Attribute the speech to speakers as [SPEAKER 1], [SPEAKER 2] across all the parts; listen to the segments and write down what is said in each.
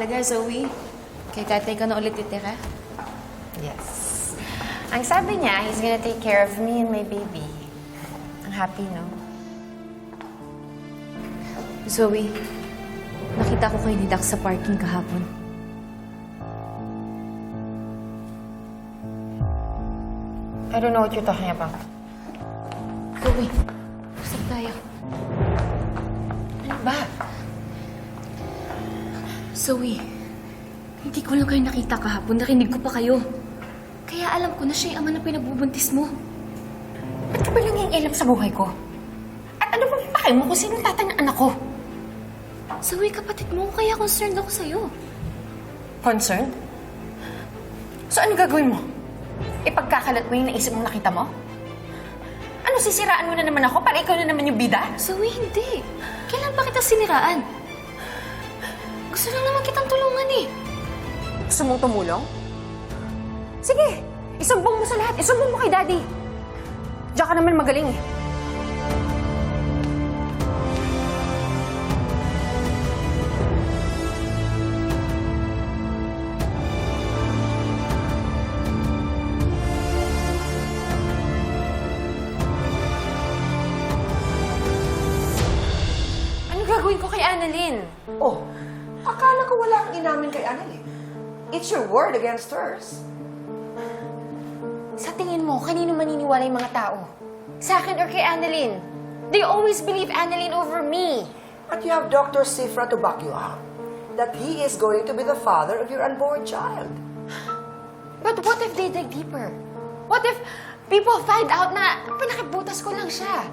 [SPEAKER 1] Talaga, Zoe? Kay tatay ka na ulit titira?
[SPEAKER 2] Yes. Ang sabi niya, he's gonna take care of me and my baby. Ang happy, no?
[SPEAKER 1] Zoe, nakita ko kayo ni Dax sa parking kahapon.
[SPEAKER 2] I don't know what you're talking about.
[SPEAKER 1] Zoe, usap tayo.
[SPEAKER 2] Ano ba?
[SPEAKER 1] Zoe, hindi ko lang kayo nakita kahapon. Narinig ko pa kayo. Kaya alam ko na siya yung ama na pinagbubuntis mo.
[SPEAKER 2] Ba't ka ba lang yung alam sa buhay ko? At ano bang pakay mo kung sino tatay ng anak ko?
[SPEAKER 1] Zoe, kapatid mo, kaya concerned ako sa'yo.
[SPEAKER 2] Concerned? So ano gagawin mo? Ipagkakalat mo yung naisip mong nakita mo? Ano, sisiraan mo na naman ako para ikaw na naman yung bida?
[SPEAKER 1] Zoe, hindi. Kailan pa kita siniraan? Gusto lang naman kitang tulungan eh.
[SPEAKER 2] Gusto mong tumulong? Sige, isumbong mo sa lahat. Isumbong mo kay Daddy. Diyan ka naman magaling eh. Ano gagawin ko kay Annalyn?
[SPEAKER 3] Oh, akala ko wala kang inamin kay Annalyn. It's your word against hers.
[SPEAKER 2] Sa tingin mo, kanino maniniwala yung mga tao? Sa akin or kay Annalyn? They always believe Annalyn over me.
[SPEAKER 3] But you have Dr. Sifra to back you up. That he is going to be the father of your unborn child.
[SPEAKER 2] But what if they dig deeper? What if people find out na pinakibutas ko lang siya?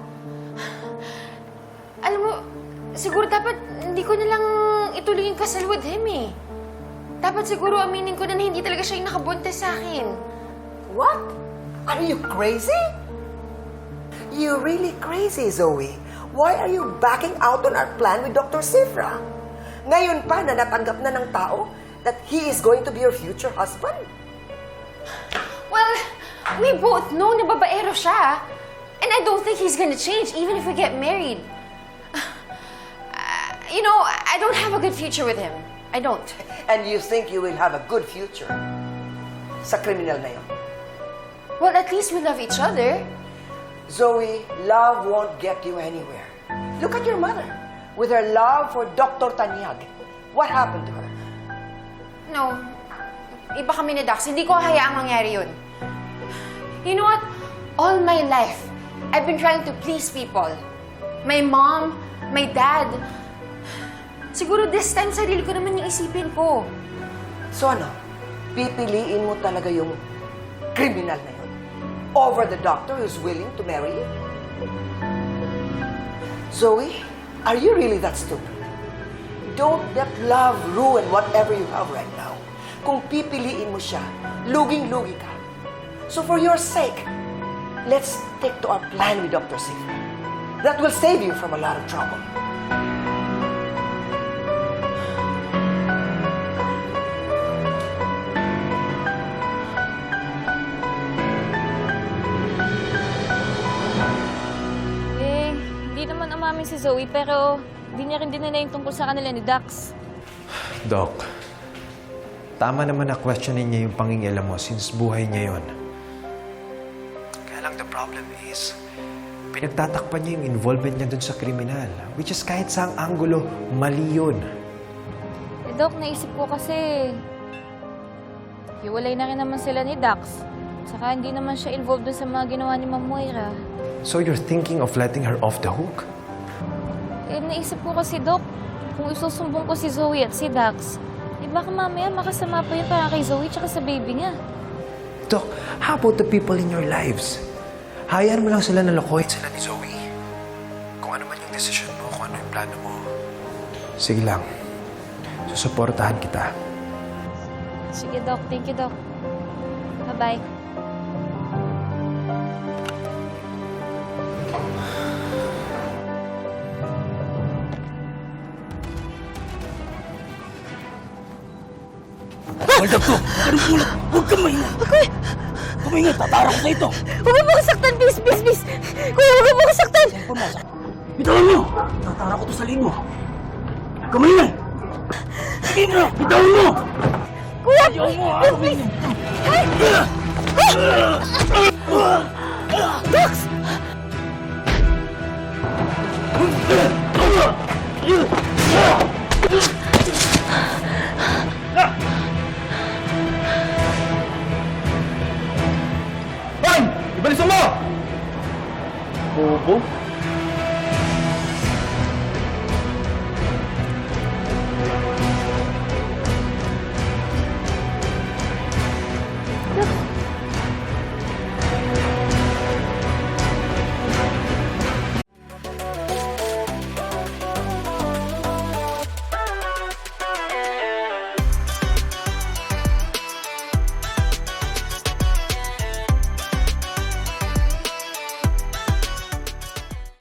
[SPEAKER 2] Alam mo, siguro dapat hindi ko na lang ituloy yung kasal with him eh. Dapat siguro aminin ko na hindi talaga siya yung nakabuntis sa akin.
[SPEAKER 3] What? Are you crazy? You're really crazy, Zoe. Why are you backing out on our plan with Dr. Sifra? Ngayon pa na natanggap na ng tao that he is going to be your future husband?
[SPEAKER 2] Well, we both know na babaero siya. And I don't think he's gonna change even if we get married. You know, I don't have a good future with him. I don't.
[SPEAKER 3] And you think you will have a good future sa kriminal na yun?
[SPEAKER 2] Well, at least we love each other.
[SPEAKER 3] Zoe, love won't get you anywhere. Look at your mother. With her love for Dr. Tanyag. What happened to her?
[SPEAKER 2] No. Iba kami ni Dax. Hindi ko hayaang mangyari yun. You know what? All my life, I've been trying to please people. My mom, my dad. Siguro this time, sarili ko naman yung isipin ko.
[SPEAKER 3] So ano? Pipiliin mo talaga yung criminal na yun over the doctor who's willing to marry you? Zoe, are you really that stupid? Don't let love ruin whatever you have right now. Kung pipiliin mo siya, luging-lugi ka. So for your sake, let's stick to our plan with Dr. Sifra. That will save you from a lot of trouble.
[SPEAKER 4] Hindi naman umamin si Zoe, pero hindi niya rin dinala yung tungkol sa kanila ni Dax.
[SPEAKER 5] Doc, tama naman na questionin niya yung pangingialam mo since buhay niya yun. Kaya lang the problem is, pinagtatakpan niya yung involvement niya dun sa kriminal. Which is kahit saang anggulo, mali yun.
[SPEAKER 4] Eh, Doc, naisip ko kasi, hiwalay na rin naman sila ni Dax. Saka hindi naman siya involved dun sa mga ginawa ni Ma'am Moira.
[SPEAKER 5] So you're thinking of letting her off the hook?
[SPEAKER 4] Eh, naisip ko kasi, Doc, kung isusumbong ko si Zoe at si Dax, eh baka mamaya makasama pa yun para kay Zoe tsaka sa baby niya.
[SPEAKER 5] Doc, how about the people in your lives? Hayaan mo lang sila na lokohin sila ni Zoe. Kung ano man yung desisyon mo, kung ano yung plano mo. Sige lang. Susuportahan kita.
[SPEAKER 4] Sige, Doc. Thank you, Doc. Bye-bye.
[SPEAKER 6] Hold up to! Anong tulad? Huwag kang mahinga! Kumahinga, tatarang ko sa ito!
[SPEAKER 4] Huwag mo akong saktan, please, please, please! Kuya, huwag mo akong saktan!
[SPEAKER 6] Pumasok. Bitawan mo! Tatarang ko to sa lin mo! Huwag kang mahinga! Sige mo! Bitawan mo! Kuya! Bitawan mo, ha? Please!
[SPEAKER 1] Dax!
[SPEAKER 6] Hoy! Ibalisan mo! Bobo?